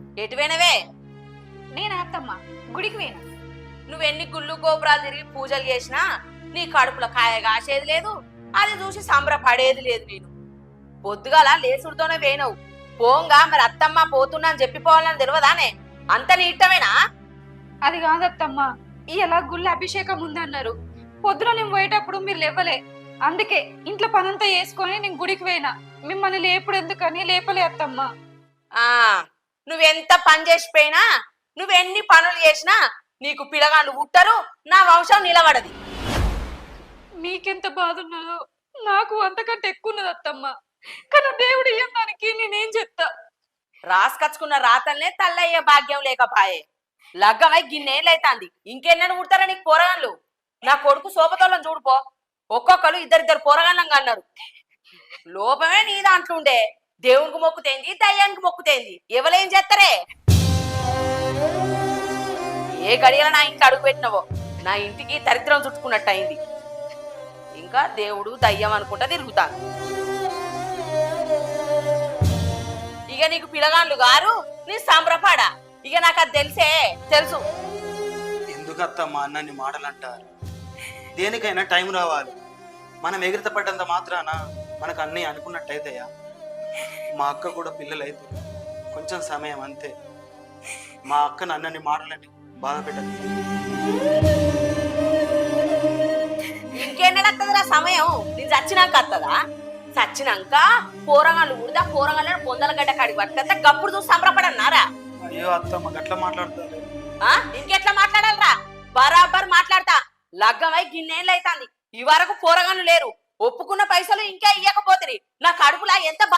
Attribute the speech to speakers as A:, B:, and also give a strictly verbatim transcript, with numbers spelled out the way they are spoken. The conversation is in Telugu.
A: ఎటువైనవే?
B: నేను అత్తమ్మ గుడికి పోయినా.
A: నువ్వెన్ని గుళ్ళు గోపురాలు తిరిగి పూజలు చేసినా నీ కడుపులో కాయ కాసేది లేదు, అది చూసి సంబరపడేది లేదు. నేను పొద్దుగాల లేసుడితోనే వేయనవు. పోంగా మరి అత్తమ్మ పోతున్నా అని చెప్పిపోవాలని తెలియదానే? అంత నీ ఇష్టమేనా?
B: అది కాదత్తమ్మ, ఇలా గుళ్ళ అభిషేకం ఉందన్నారు. పొద్దున నేను పోయేటప్పుడు మీరు లేవలే, అందుకే ఇంట్లో పనంతా వేసుకొని నేను గుడికి పోయినా. మిమ్మల్ని లేపుడు ఎందుకని లేపలే అత్తమ్మ.
A: ఆ నువ్వెంత పని చేసిపోయినా, నువ్వెన్ని పనులు చేసినా నీకు పిల్లగాళ్ళు పుట్టరు, నా వంశం నిలబడది.
B: మీకెంత బాధ ఉన్నదో నాకు అంతకంటే ఎక్కువ ఉన్నది అత్తమ్మ. కానీ దేవుడు ఇయ్యం దానికి నేనేం చెప్తా.
A: రాసుకచ్చుకున్న రాతల్నే తల్లయ్యే భాగ్యం లేకపాయే. లగ్గమై గిన్నేళ్ళైతాంది, ఇంకెన్నెను పుడతారా నీకు పోరగాళ్ళు? నా కొడుకు సోపతోళ్ళని చూడుపో, ఒక్కొక్కరు ఇద్దరిద్దరు పోరగాళ్ళంగా అన్నారు. లోపమే నీ దాంట్లో ఉండే. దేవునికి మొక్కుతేంది, దయ్యానికి మొక్కుతేంది, ఎవరేం చేస్తారే? ఏ గడియల నా ఇంటికి అడుగు పెట్టినవో నా ఇంటికి దరిద్రం చుట్టుకున్నట్టు అయింది. ఇంకా దేవుడు దయ్యం అనుకుంటా తిరుగుతాను. ఇక నీకు పిల్లగాళ్ళు గారు నీ సంబరపడా. ఇక నాకు అది తెలిసే తెలుసు.
C: ఎందుకు అత్తమ్మా అన్నన్ని మాటలు అంటారు? దేనికైనా టైం రావాలి. మనం ఎగిరిత పడ్డంత మాత్రాన మనకు అన్నీ అనుకున్నట్టయితేయా? మా అక్క కూడా పిల్లలు అయితే కొంచెం సమయం అంతే. మా అక్కను అన్నన్ని మాటలని బాధ పెట్టదు.
A: ఇంకేనత్తదిరా సమయం? నేను చచ్చినాక వస్తుందా? చచ్చినాక పోరగాళ్ళు ఉడిదా పోరగాళ్ళని పొందల గడ్డ కాడికి పట్టుకొస్తే గప్పుడు చూసి సంబరపడన్నారా?
C: అయ్యో అత్తమ్మ గట్లా మాట్లాడతారు.
A: ఆ ఇంకెట్లా మాట్లాడాలరా? బరాబర్ మాట్లాడతా. లగ్గమై గిన్నేళ్ళు అవుతాంది, ఈ వరకు పోరగాళ్ళు లేరు. ఒప్పుకున్న పైసలు ఇంకా ఇయ్యకపోతుంది. నా కడుపులా ఎంత